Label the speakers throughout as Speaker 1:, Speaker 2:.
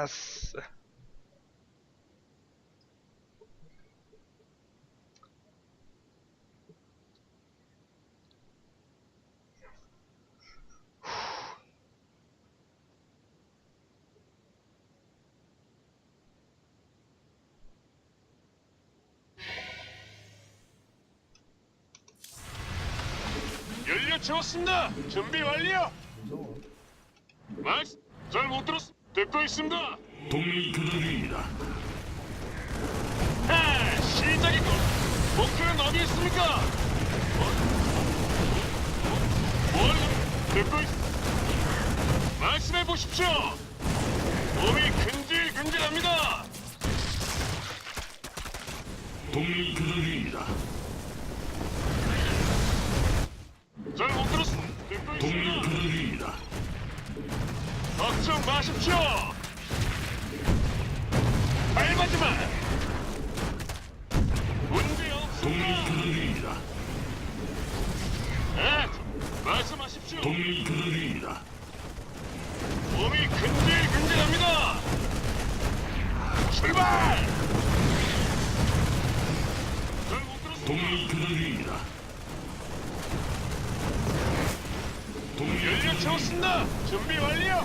Speaker 1: 아싸.
Speaker 2: 연료 채웠습니다. 준비 완료.
Speaker 1: 무서워.
Speaker 2: 막스, 잘못 들었. 듣고 있습니다.
Speaker 3: 동맹이 교전 중입니다.
Speaker 2: 하, 시작이군. 목표는 어디 있습니까? 뭘? 듣고 있. 말씀해 보십시오. 몸이 근질근질합니다.
Speaker 3: 동맹이 교전 중입니다.
Speaker 2: 잘못 들었. 듣고
Speaker 3: 동맹이
Speaker 2: 있습니다.
Speaker 3: 교전 중입니다.
Speaker 2: 걱정 마십시오. 밟아지 마. 문제
Speaker 3: 동맹이
Speaker 2: 없습니다.
Speaker 3: 교전 중입니다.
Speaker 2: 네, 말씀하십시오.
Speaker 3: 동맹이 교전 중입니다.
Speaker 2: 몸이 근질근질합니다. 출발. 잘못 들었습니다.
Speaker 3: 동맹이 교전 중입니다. 동맹이
Speaker 2: 연료
Speaker 3: 교전 중입니다.
Speaker 2: 채웠습니다. 준비 완료.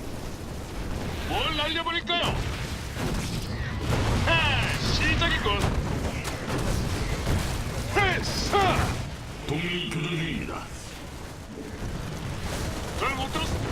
Speaker 2: 뭘 날려버릴까요? 하, 시작이군. 회사.
Speaker 3: 동맹이 교전 중입니다.
Speaker 2: 잘못 들었습니다.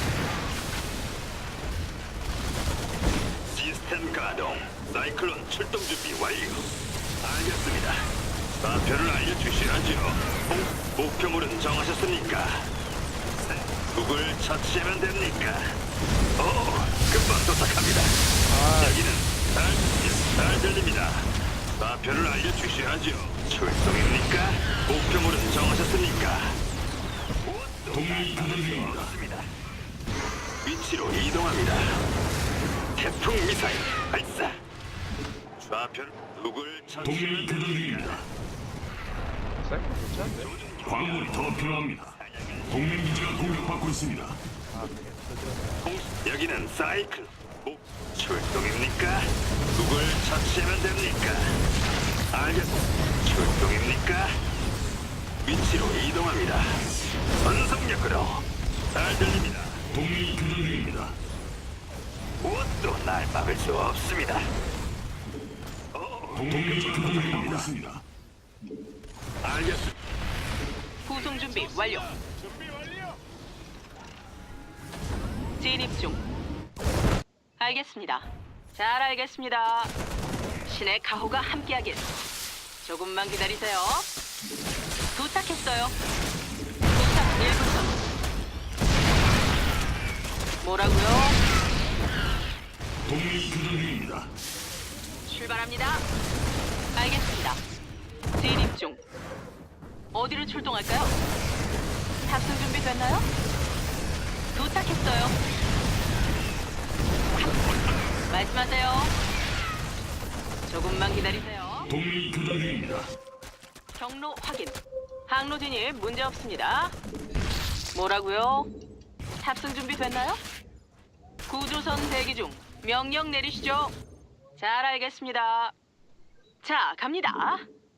Speaker 4: 시스템 가동. 사이클론 출동 준비 완료. 알겠습니다. 좌표를 알려주시라죠. 목표물은 정하셨습니까? 누굴 처치하면 됩니까? 금방 도착합니다. 여기는 잘 들립니다. 좌표를 알려주시라죠. 출동입니까? 목표물은 정하셨습니까?
Speaker 3: 동맹이 교전 중입니다.
Speaker 4: 없습니다. 위치로 이동합니다. 태풍 미사일 발사. 좌표 누굴
Speaker 3: 동맹이 교전 중입니다.
Speaker 1: 사이클 괜찮은데?
Speaker 3: 광물이 더 필요합니다. 동맹 기지가 공격받고 있습니다.
Speaker 1: 아, 그래.
Speaker 4: 여기는 사이클. 출동입니까? 누굴 처치하면 됩니까? 알겠습니다. 출동입니까? 위치로 이동합니다. 전속력으로 잘 들립니다.
Speaker 3: 동맹이 교전 중입니다.
Speaker 4: 무엇도 날 막을 수 없습니다.
Speaker 3: 동맹이 교전받고 있습니다.
Speaker 4: 알겠습니다.
Speaker 5: 구송 준비 완료.
Speaker 2: 준비 완료.
Speaker 5: 진입 중. 알겠습니다. 잘 알겠습니다. 신의 가호가 함께하길. 조금만 기다리세요. 도착했어요. 도착 1분 전. 뭐라고요?
Speaker 3: 동맹이 교전 중입니다.
Speaker 5: 출발합니다. 알겠습니다. 진입 중. 어디로 출동할까요? 탑승 준비 됐나요? 도착했어요. 말씀하세요. 조금만 기다리세요.
Speaker 3: 동맹이 교전 중입니다.
Speaker 5: 경로 확인. 항로 진입 문제 없습니다. 뭐라고요? 탑승 준비 됐나요? 구조선 대기 중. 명령 내리시죠. 잘 알겠습니다. 자, 갑니다.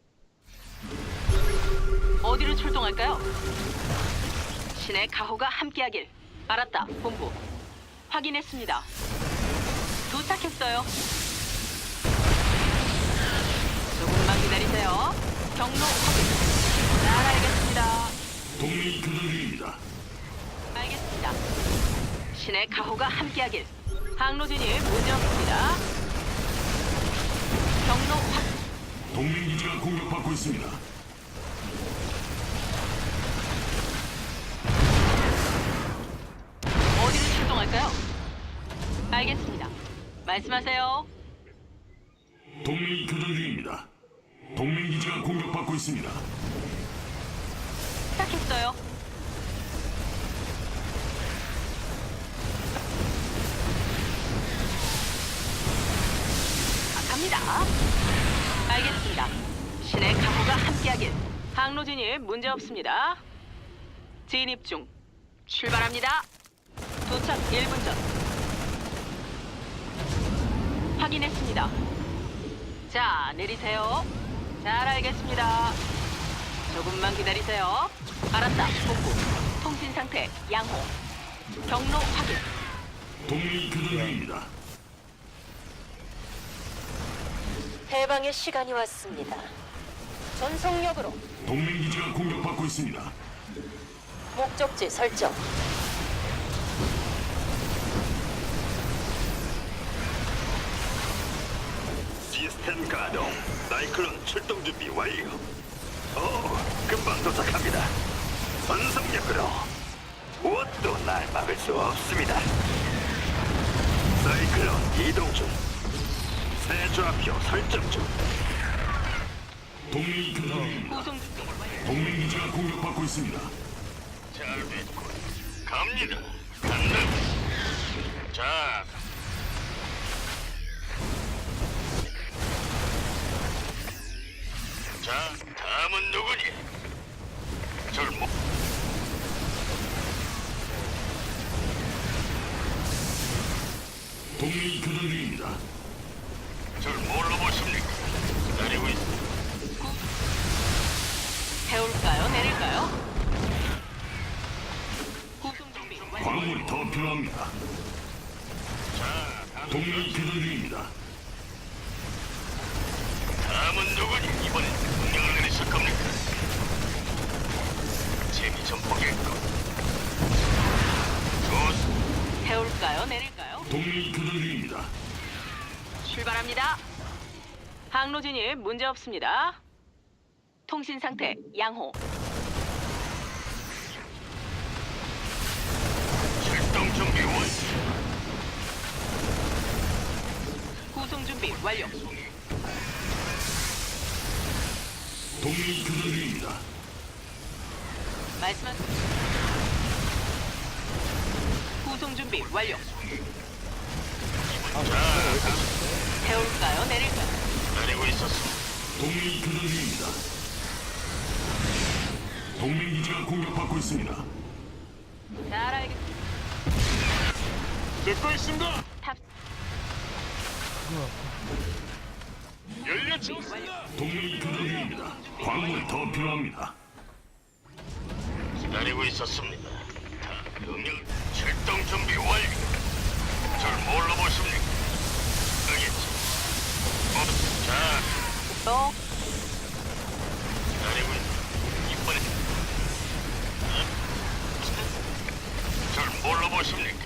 Speaker 5: 어디로 출동할까요? 신의 가호가 함께하길. 알았다, 본부. 확인했습니다. 도착했어요. 조금만 기다리세요. 경로 확인. 잘 알겠습니다.
Speaker 3: 동맹이 교전 중입니다.
Speaker 5: 알겠습니다. 신의 가호가 함께하길. 항로 진입 문제 없습니다. 경로 확인.
Speaker 3: 동맹 기지가 공격받고 있습니다.
Speaker 5: 어디로 출동할까요? 알겠습니다. 말씀하세요.
Speaker 3: 동맹이 교전 중입니다. 동맹 기지가 공격받고 있습니다.
Speaker 5: 시작했어요. 갑니다. 알겠습니다. 신의 가호가 함께하길. 항로 진입 문제 없습니다. 진입 중. 출발합니다. 도착 1분 전. 확인했습니다. 자, 내리세요. 잘 알겠습니다. 조금만 기다리세요. 알았다. 본부. 통신 상태 양호. 경로 확인.
Speaker 3: 동맹이 교전 중입니다.
Speaker 6: 해방의 시간이 왔습니다. 전속력으로
Speaker 3: 동맹 기지가 공격받고 있습니다.
Speaker 6: 목적지 설정.
Speaker 4: 시스템 가동. 사이클론 출동 준비 완료. 금방 도착합니다. 전속력으로 무엇도 날 막을 수 없습니다. 사이클론 이동 중. 새 좌표 설정 중.
Speaker 3: 동맹이 교전 중입니다.
Speaker 5: 구송 준비 완료.
Speaker 3: 동맹 기지가 공격받고 있습니다.
Speaker 2: 잘 됐군. 갑니다. 간다. 자, 자, 다음은 누구니? 절 못.
Speaker 3: 동맹이 교전 중입니다.
Speaker 2: 절 뭘로 보십니까? 기다리고 있.
Speaker 5: 태울까요? 내릴까요? 구송 준비 완료.
Speaker 3: 광물이 더 필요합니다.
Speaker 2: 자, 다음,
Speaker 3: 동맹이 교전 중입니다.
Speaker 2: 다음은 누구니? 이번엔 명령을 내리실 겁니까? 재미 좀 보겠고. 좋습니다.
Speaker 5: 태울까요? 내릴까요?
Speaker 3: 동맹이 교전 중입니다.
Speaker 5: 출발합니다. 항로 진입 문제 없습니다. 통신 상태 양호.
Speaker 2: 출동 준비 완.
Speaker 5: 구송 준비 완료.
Speaker 3: 동맹이 교전 중입니다.
Speaker 5: 말씀하세요. 구송 준비 완료. 태울까요? 내릴까요?
Speaker 2: 기다리고 있었습니다.
Speaker 3: 동맹이 교전 중입니다. 동맹 기지가 공격받고 있습니다.
Speaker 5: 잘 알겠습니다.
Speaker 2: 듣고 있습니다.
Speaker 5: 탑
Speaker 2: 연료 채웠습니다.
Speaker 3: 동맹이 교전 중입니다. 광물이 더 필요합니다.
Speaker 2: 기다리고 있었습니다. 다 명령 출동 준비 완료. 절 뭘로 보십니까? 알겠지. 자,
Speaker 5: 또
Speaker 2: 기다리고 이번에 절 뭘로 보십니까?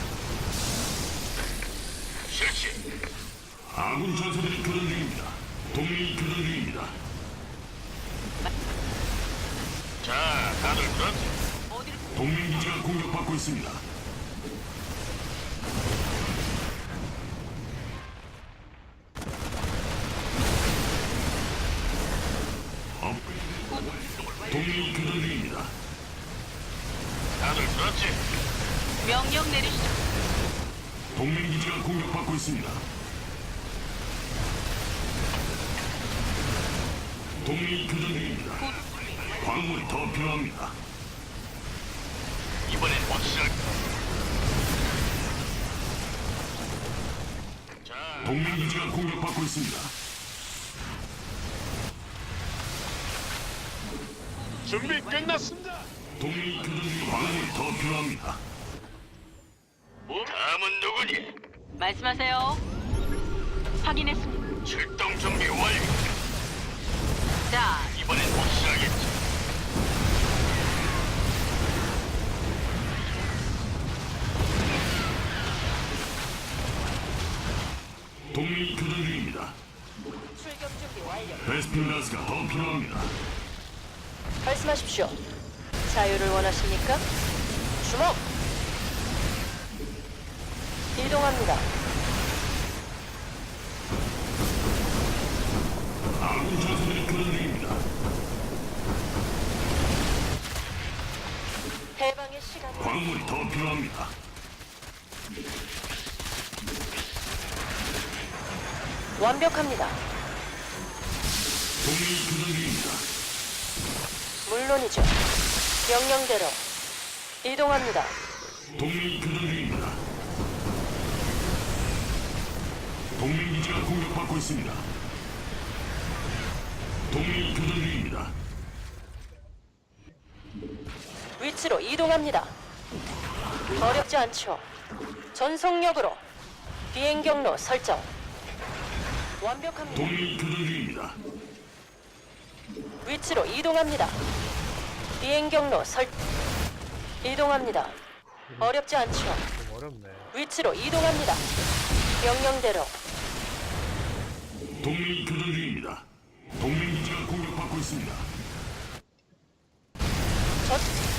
Speaker 2: 실시.
Speaker 3: 아군 전사들이 교전 중입니다. 동맹이 교전 중입니다.
Speaker 2: 자, 다들 들었지?
Speaker 5: 어디로
Speaker 3: 동맹 기지가 공격받고 있습니다. 동맹이 교전 중입니다.
Speaker 2: 다들 들었지?
Speaker 5: 명령 내리시죠.
Speaker 3: 동맹 기지가 공격받고 있습니다. 동맹이 교전 중입니다. 광물이 더 필요합니다.
Speaker 2: 이번엔 확실할. 자,
Speaker 3: 동맹 기지가 공격받고 있습니다.
Speaker 2: 준비 끝났습니다.
Speaker 3: 동맹이 교전 중 광물이 더 필요합니다.
Speaker 2: 다음은 누구니?
Speaker 5: 말씀하세요. 확인했습니다.
Speaker 2: 출동 준비 완료.
Speaker 5: 자,
Speaker 2: 이번엔 확실하겠지.
Speaker 3: 동맹이 교전 중입니다.
Speaker 6: 출격 준비 완료.
Speaker 3: 베스핀 가스가 더 필요합니다.
Speaker 6: 말씀하십시오. 자유를 원하십니까? 주목. 이동합니다.
Speaker 3: 아군 전사들이 교전 중입니다.
Speaker 6: 해방의 시간이
Speaker 3: 광물이 더 필요합니다.
Speaker 6: 완벽합니다.
Speaker 3: 동맹이 교전 중입니다.
Speaker 6: 물론이죠. 명령대로 이동합니다.
Speaker 3: 동맹이 교전 중입니다. 동맹 공격받고 있습니다. 동맹이 교전 중입니다.
Speaker 6: 위치로 이동합니다. 어렵지 않죠. 전속력으로 비행 경로 설정. 완벽합니다.
Speaker 3: 동맹이 교전 중입니다.
Speaker 6: 위치로 이동합니다. 비행 경로 설 이동합니다. 어렵지 않죠.
Speaker 1: 좀 어렵네.
Speaker 6: 위치로 이동합니다. 명령대로
Speaker 3: 동맹이 교전 중입니다. 동맹 기지가 공격받고 있습니다.
Speaker 6: 전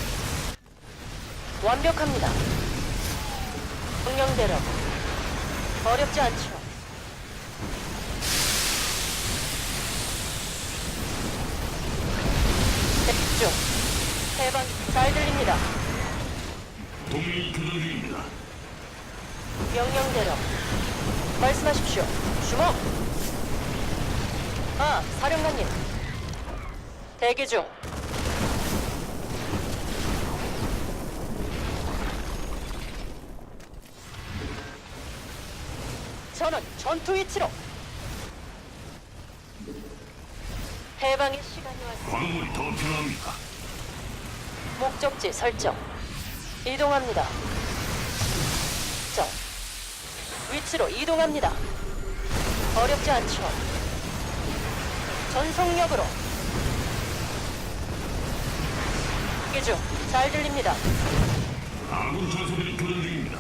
Speaker 6: 완벽합니다. 명령대로 어렵지 않죠. 집중. 해방 잘 들립니다.
Speaker 3: 동맹이 교전 중입니다.
Speaker 6: 명령대로 말씀하십시오. 주목. 아, 사령관님. 대기 중. 저는 전투 위치로. 해방의 시간이 왔습니다.
Speaker 3: 광물이 더 필요합니다.
Speaker 6: 목적지 설정. 이동합니다. 정. 위치로 이동합니다. 어렵지 않죠. 전속력으로. 기중 잘 들립니다.
Speaker 3: 아군 전사들이 교전 중입니다.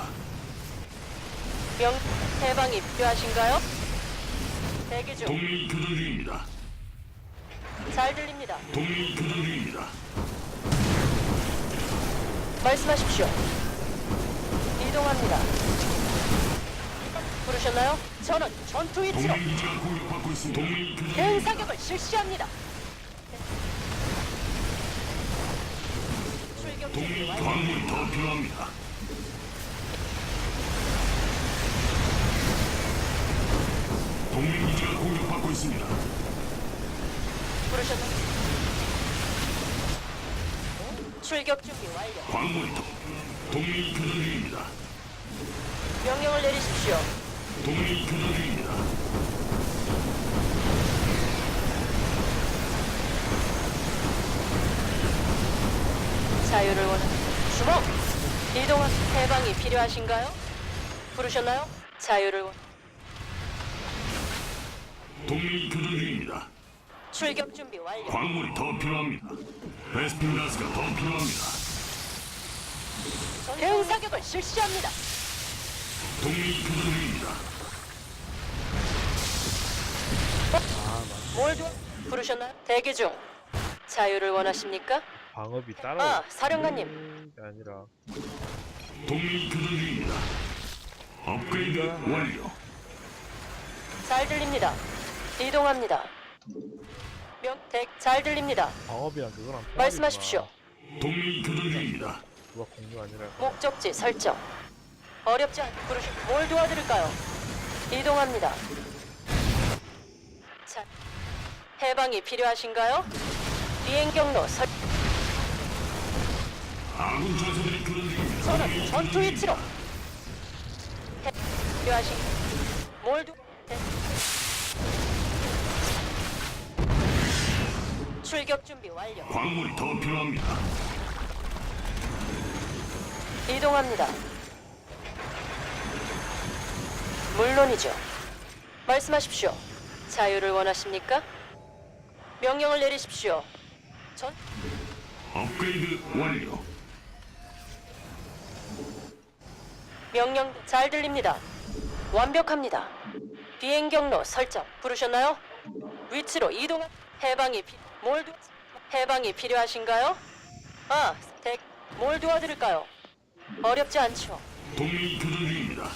Speaker 6: 명 해방이 필요하신가요? 대기 중.
Speaker 3: 동맹이 교전 중입니다.
Speaker 6: 잘 들립니다.
Speaker 3: 동맹이 교전 중입니다.
Speaker 6: 말씀하십시오. 이동합니다. 부르셨나요? 저는 전투 위치로
Speaker 3: 동맹 기지가 공격받고 있습니다. 동맹이 교전
Speaker 6: 대응
Speaker 3: 중입니다.
Speaker 6: 사격을 실시합니다. 출격 준비
Speaker 3: 동맹이
Speaker 6: 완료.
Speaker 3: 광물이 더 필요합니다. 동맹 기지가 공격받고 있습니다.
Speaker 6: 부르셨나요? 출격 준비 완료.
Speaker 3: 광물이 더. 동맹이 교전 중입니다.
Speaker 6: 명령을 내리십시오.
Speaker 3: 동맹이 교전 중입니다.
Speaker 6: 자유를 원하는 주목. 이동한 해방이 필요하신가요? 부르셨나요? 자유를 원.
Speaker 3: 동맹이 교전 중입니다.
Speaker 6: 출격 준비 완료.
Speaker 3: 광물이 더 필요합니다. 베스핀 가스가 더 필요합니다.
Speaker 6: 대응 사격을 실시합니다.
Speaker 3: 동맹이 교전 중입니다.
Speaker 6: 뭘 도? 부르셨나요? 대기 중. 자유를 원하십니까?
Speaker 1: 방업이 따로.
Speaker 6: 아, 사령관님.
Speaker 1: 게 아니라.
Speaker 3: 동맹이 교전 중입니다. 업그레이드 완료.
Speaker 6: 잘 들립니다. 이동합니다. 잘 들립니다.
Speaker 1: 방업이랑 그거랑. 통합이구나.
Speaker 6: 말씀하십시오.
Speaker 3: 동맹이 교전 중입니다.
Speaker 1: 누가 공유가 아니라.
Speaker 6: 목적지 설정. 어렵지 않. 뭘 도와드릴까요? 이동합니다. 자, 해방이 필요하신가요? 비행 경로 설.
Speaker 3: 아군 전사들이 교전 중입니다.
Speaker 6: 저는
Speaker 3: 동맹이
Speaker 6: 전투
Speaker 3: 교전
Speaker 6: 위치로.
Speaker 3: 중입니다.
Speaker 6: 필요하신. 뭘 도? 출격 준비 완료.
Speaker 3: 광물이 더 필요합니다.
Speaker 6: 이동합니다. 물론이죠. 말씀하십시오. 자유를 원하십니까? 명령을 내리십시오. 전
Speaker 3: 업그레이드 완료.
Speaker 6: 명령 잘 들립니다. 완벽합니다. 비행 경로 설정 부르셨나요? 위치로 이동. 해방이 필요하신가요? 아, 뭘 도와드릴까요? 어렵지 않죠.
Speaker 3: 동맹이 교전 중입니다.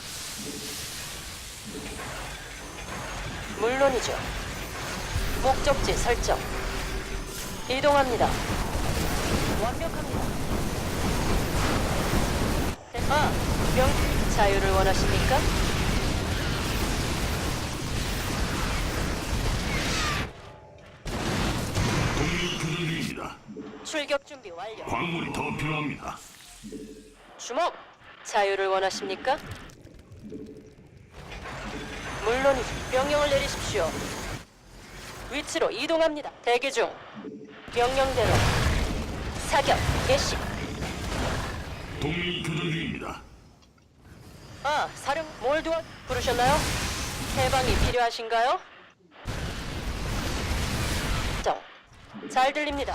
Speaker 6: 물론이죠. 목적지 설정. 이동합니다. 완벽합니다. 아, 자유를 원하십니까?
Speaker 3: 동맹이 교전 중입니다.
Speaker 6: 출격 준비 완료.
Speaker 3: 광물이 더 필요합니다.
Speaker 6: 주목. 자유를 원하십니까? 물론이죠. 명령을 내리십시오. 위치로 이동합니다. 대기 중. 명령대로 사격 개시.
Speaker 3: 동맹이 교전 중입니다.
Speaker 6: 아, 사령 뭘 도와 부르셨나요? 해방이 필요하신가요? 잘 들립니다.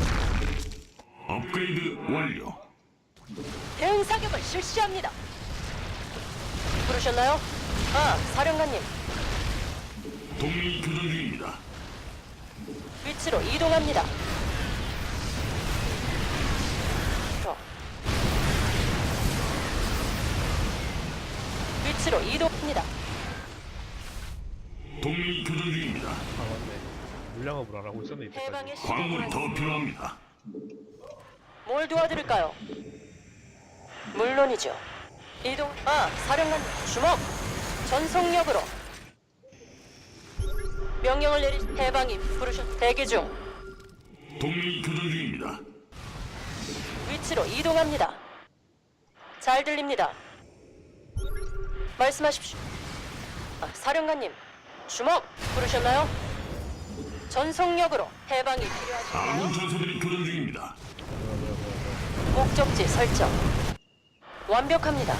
Speaker 3: 업그레이드 완료.
Speaker 6: 대응 사격을 실시합니다. 부르셨나요? 아, 사령관님.
Speaker 3: 동맹이 교전 중입니다.
Speaker 6: 위치로 이동합니다. 위치로 이동합니다.
Speaker 3: 동맹이 교전 중입니다.
Speaker 1: 아 맞네. 물량업을 안 하고 있었네 이때까지.
Speaker 6: 해방의
Speaker 3: 광물이
Speaker 6: 시간이
Speaker 3: 더 필요합니다.
Speaker 6: 뭘 도와드릴까요? 물론이죠. 이동. 아, 사령관님. 주먹. 전속력으로. 명령을 내리. 해방이 부르셨. 대기 중.
Speaker 3: 동맹이 교전 중입니다.
Speaker 6: 위치로 이동합니다. 잘 들립니다. 말씀하십시오. 아, 사령관님. 주먹. 부르셨나요? 전속력으로 해방이 필요하신가요?
Speaker 3: 아군 전사들이 교전 중입니다.
Speaker 6: 목적지 설정. 완벽합니다.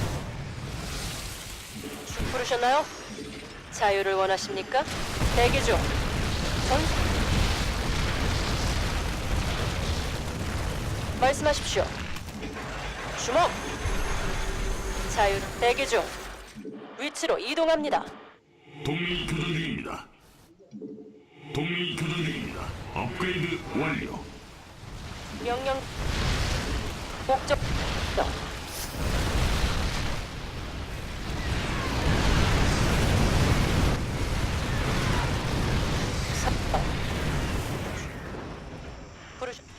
Speaker 6: 부르셨나요? 자유를 원하십니까? 대기 중. 말씀하십시오. 주먹. 자유. 대기 중. 위치로 이동합니다.
Speaker 3: 동맹이 교전 중입니다. 동맹이 교전 중입니다. 업그레이드 완료.
Speaker 6: 명령. 목적. 부르셨.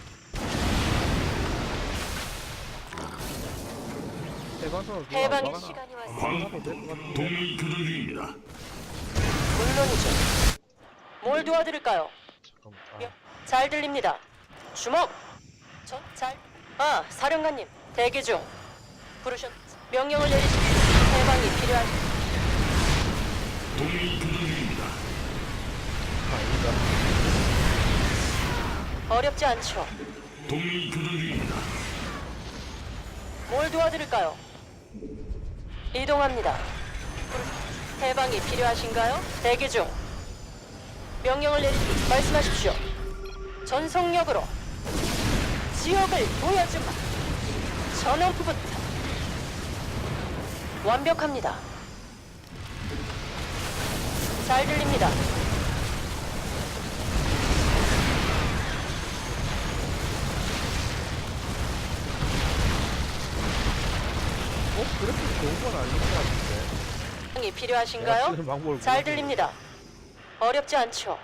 Speaker 1: 해방선을
Speaker 6: 해방의 시간이 왔습니다.
Speaker 3: 동맹이 교전 중입니다.
Speaker 6: 물론이죠. 뭘 도와드릴까요?
Speaker 1: 잠깐만.
Speaker 6: 잘 들립니다. 주먹. 잘. 아, 사령관님. 대기 중. 부르셨. 명령을 내리십시오. 해방이 필요한.
Speaker 3: 동맹이 교전 중입니다.
Speaker 1: 아니다.
Speaker 6: 어렵지 않죠.
Speaker 3: 동맹이 교전 중입니다.
Speaker 6: 뭘 도와드릴까요? 이동합니다. 해방이 필요하신가요? 대기 중. 명령을 내리십시오. 말씀하십시오. 전속력으로 지역을 보여주마. 전원부부터 완벽합니다. 잘 들립니다.
Speaker 1: 그렇게 좋은 건 아닌 것 같은데.
Speaker 6: 해방이
Speaker 1: 내가
Speaker 6: 필요하신가요?
Speaker 1: 쓰는 방법을
Speaker 6: 잘
Speaker 1: 모르겠네.
Speaker 6: 들립니다. 어렵지 않죠.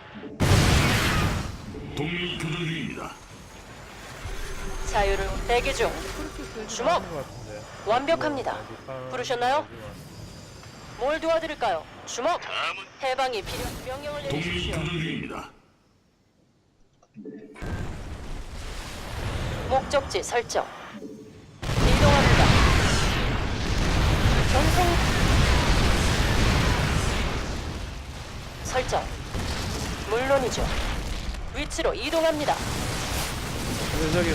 Speaker 3: 동맹이 교전 중입니다.
Speaker 6: 자유를 대기 중. 주먹.
Speaker 1: 아닌 것 같은데.
Speaker 6: 완벽합니다.
Speaker 1: 뭐,
Speaker 6: 부르셨나요?
Speaker 1: 마지막.
Speaker 6: 뭘 도와드릴까요? 주먹. 해방이 필요. 명령을
Speaker 3: 동맹이
Speaker 6: 내리십시오.
Speaker 3: 교전 중입니다.
Speaker 6: 목적지 설정. 이동합니다. 전송 설정. 물론이죠. 위치로 이동합니다.
Speaker 1: 근데 저기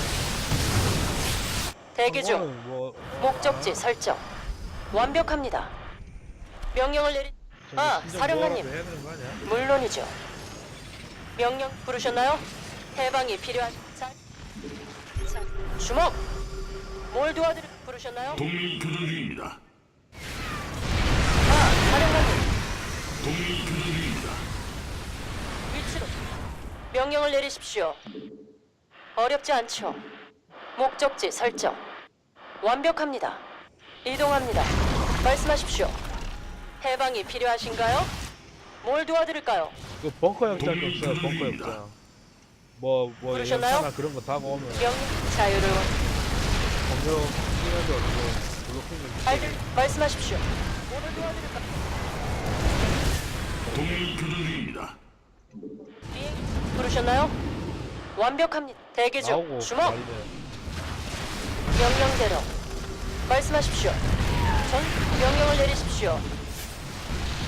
Speaker 6: 대기 중.
Speaker 1: 그거는 뭐
Speaker 6: 목적지 설정. 완벽합니다. 명령을 내리.
Speaker 1: 저기
Speaker 6: 아,
Speaker 1: 심정
Speaker 6: 사령관님.
Speaker 1: 뭐라도 해야 되는 거 아니야?
Speaker 6: 물론이죠. 명령 부르셨나요? 해방이 필요한. 자, 주먹. 뭘 도와드릴 부르셨나요?
Speaker 3: 동맹이 교전 중입니다.
Speaker 6: 아, 사령관님.
Speaker 3: 동맹이 교전 중입니다.
Speaker 6: 위치로. 명령을 내리십시오. 어렵지 않죠. 목적지 설정. 완벽합니다. 이동합니다. 말씀하십시오. 해방이 필요하신가요? 뭘 도와드릴까요?
Speaker 1: 그 벙커 역장
Speaker 3: 동맹이
Speaker 1: 없어요. 벙커
Speaker 3: 교전입니다.
Speaker 1: 역장. 뭐
Speaker 6: 부르셨나요?
Speaker 1: 연사나 그런 거 다 모으면
Speaker 6: 명 자유를
Speaker 1: 공격 뛰면서 뭐 블로킹
Speaker 6: 알들 말씀하십시오. 뭐를 도와드릴까요?
Speaker 3: 동맹이 교전 중입니다.
Speaker 6: 비행 부르셨나요? 완벽합니다. 대기 중.
Speaker 1: 나오고
Speaker 6: 주먹.
Speaker 1: 난리네.
Speaker 6: 명령대로 말씀하십시오. 전 명령을 내리십시오.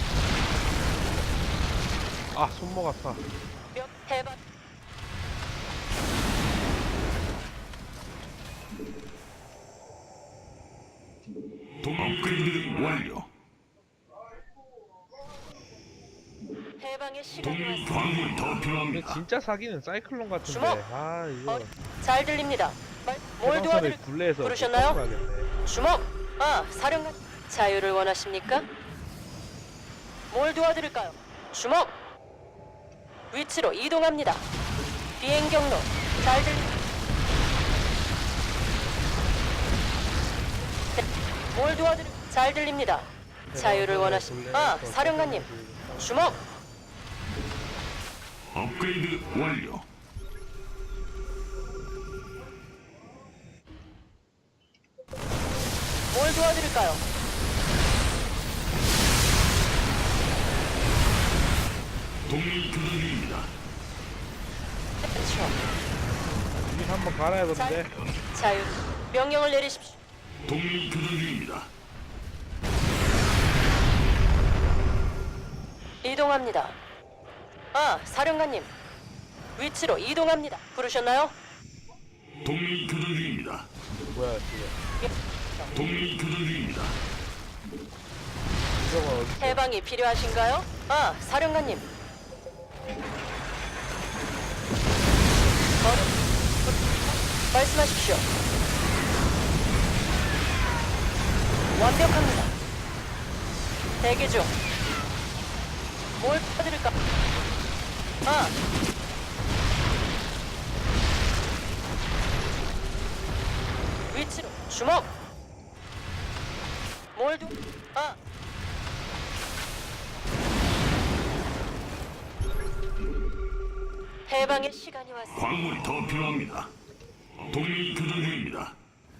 Speaker 1: 아 손목 아파.
Speaker 6: 해방
Speaker 3: 업그레이드 완료.
Speaker 6: 해방의 시간이
Speaker 3: 동맹
Speaker 6: 왔습니다.
Speaker 3: 광물이 더
Speaker 1: 근데
Speaker 3: 필요합니다.
Speaker 1: 진짜 사기는 사이클론 같은데.
Speaker 6: 주먹!
Speaker 1: 아 이거
Speaker 6: 잘 들립니다. 뭘
Speaker 1: 해방선을
Speaker 6: 도와드릴?
Speaker 1: 굴레에서
Speaker 6: 부르셨나요?
Speaker 1: 가겠네.
Speaker 6: 주먹! 아, 사령관. 자유를 원하십니까? 뭘 도와드릴까요? 주먹! 위치로 이동합니다. 비행 경로. 잘 들립니다. 뭘 도와드릴? 잘 들립니다. 자유를 원하십니까? 아, 사령관님. 주먹!
Speaker 3: 업그레이드 완료.
Speaker 6: 뭘 도와드릴까요?
Speaker 3: 동맹 교전 중입니다.
Speaker 6: 그렇죠.
Speaker 1: 이게 한번 갈아야겠는데.
Speaker 6: 자유. 명령을 내리십시오.
Speaker 3: 동맹 교전 중입니다.
Speaker 6: 이동합니다. 아, 사령관님. 위치로 이동합니다. 부르셨나요?
Speaker 3: 동맹 교전 중입니다.
Speaker 1: 뭐야 지금.
Speaker 3: 동맹 교전 중입니다.
Speaker 1: 이거가 어디?
Speaker 6: 해방이 필요하신가요? 아, 사령관님. 말씀하십시오. 완벽합니다. 대기 중. 뭘 도와드릴까? 아. 위치로 주먹. 뭘 도? 아. 해방의 시간이 왔습니다.
Speaker 3: 광물이 더 필요합니다. 동맹 교전 중입니다.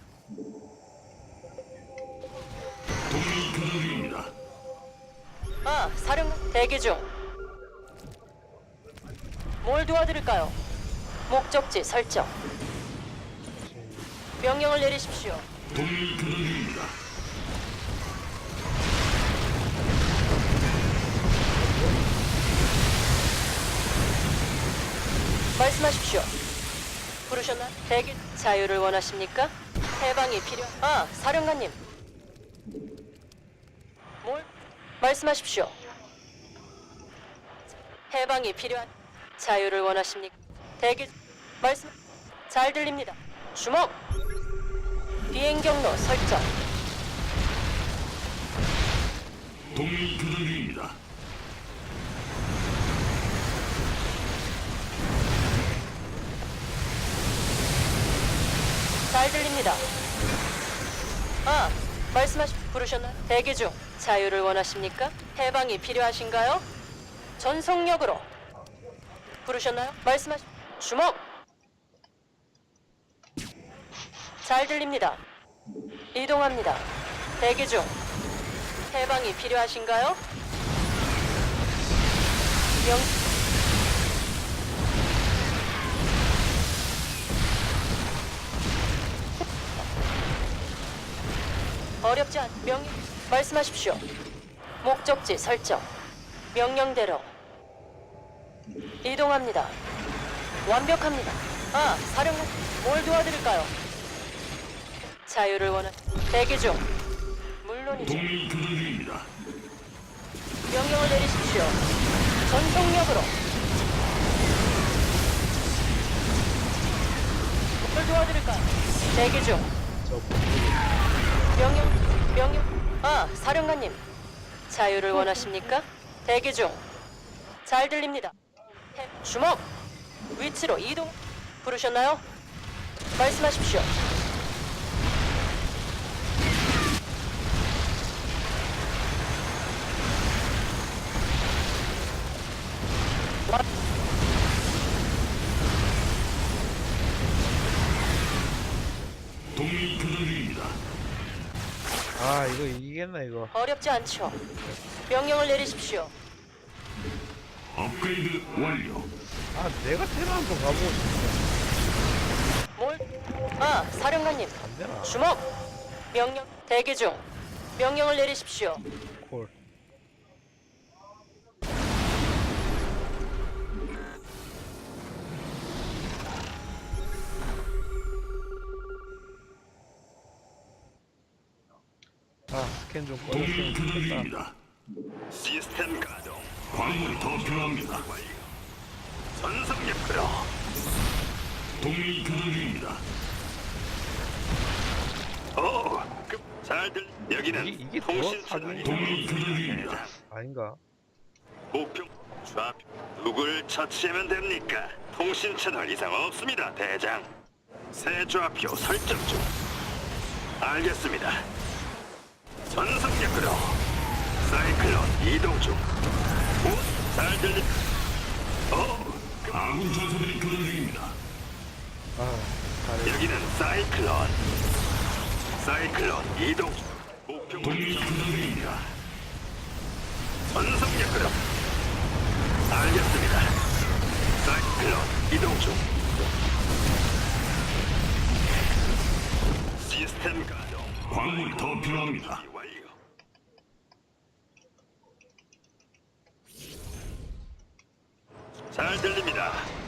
Speaker 3: 동맹 교전 중입니다.
Speaker 6: 아, 사령관 대기 중. 뭘 도와드릴까요? 목적지 설정. 명령을 내리십시오.
Speaker 3: 동맹 교전 중입니다.
Speaker 6: 말씀하십시오. 부르셨나? 대기 자유를 원하십니까? 해방이 필요. 아, 사령관님. 뭘? 말씀하십시오. 해방이 필요한 자유를 원하십니까? 대기 말씀 잘 들립니다. 주먹. 비행 경로 설정.
Speaker 3: 동맹 교전 중입니다.
Speaker 6: 잘 들립니다. 아, 부르셨나요? 대기 중. 자유를 원하십니까? 해방이 필요하신가요? 전속력으로. 부르셨나요? 주먹. 잘 들립니다. 이동합니다. 대기 중. 해방이 필요하신가요? 어렵지 않. 말씀하십시오. 목적지 설정. 명령대로 이동합니다. 완벽합니다. 아, 사령관, 뭘 도와드릴까요? 자유를 원한 대기 중. 물론이죠.
Speaker 3: 동맹 교전 중입니다.
Speaker 6: 명령을 내리십시오. 전속력으로. 뭘 도와드릴까요? 대기 중. 명령. 아, 사령관님. 자유를 원하십니까? 대기 중. 잘 들립니다. 주먹. 위치로 이동. 부르셨나요? 말씀하십시오.
Speaker 3: 동맹 교전 중입니다.
Speaker 1: 아 이거 이기겠나 이거.
Speaker 6: 어렵지 않죠. 명령을 내리십시오.
Speaker 3: 업그레이드 완료.
Speaker 1: 아 내가 테라 한번 가보고 싶은데
Speaker 6: 뭘? 아, 사령관님.
Speaker 1: 안 되나?
Speaker 6: 주먹. 명령 대기 중. 명령을 내리십시오.
Speaker 1: 콜. 스캔 좀
Speaker 3: 동맹이
Speaker 1: 꺼냈으면
Speaker 3: 교전
Speaker 1: 좋겠다.
Speaker 3: 중입니다.
Speaker 4: 시스템 가동.
Speaker 3: 광물이 더 필요합니다.
Speaker 4: 전속력 끌어.
Speaker 3: 동맹이 교전 중입니다.
Speaker 4: 오, 잘들. 여기는
Speaker 1: 이게 더
Speaker 4: 통신
Speaker 1: 사기?
Speaker 4: 채널이
Speaker 3: 동맹이 교전 중입니다.
Speaker 1: 아닌가?
Speaker 4: 목표 좌표. 누굴 처치하면 됩니까? 통신 채널 이상 없습니다, 대장. 새 좌표 설정 중. 알겠습니다. 전속력으로 사이클론 이동 중. 오, 잘 들리. 오,
Speaker 3: 아군 전사들이 교전 중입니다.
Speaker 1: 아, 잘해.
Speaker 4: 여기는 사이클론. 사이클론 이동 중. 목표
Speaker 3: 동맹이 교전 중입니다.
Speaker 4: 전속력으로. 알겠습니다. 사이클론 이동 중. 시스템 가동.
Speaker 3: 광물이 더 필요합니다.
Speaker 4: 완료. 잘 들립니다.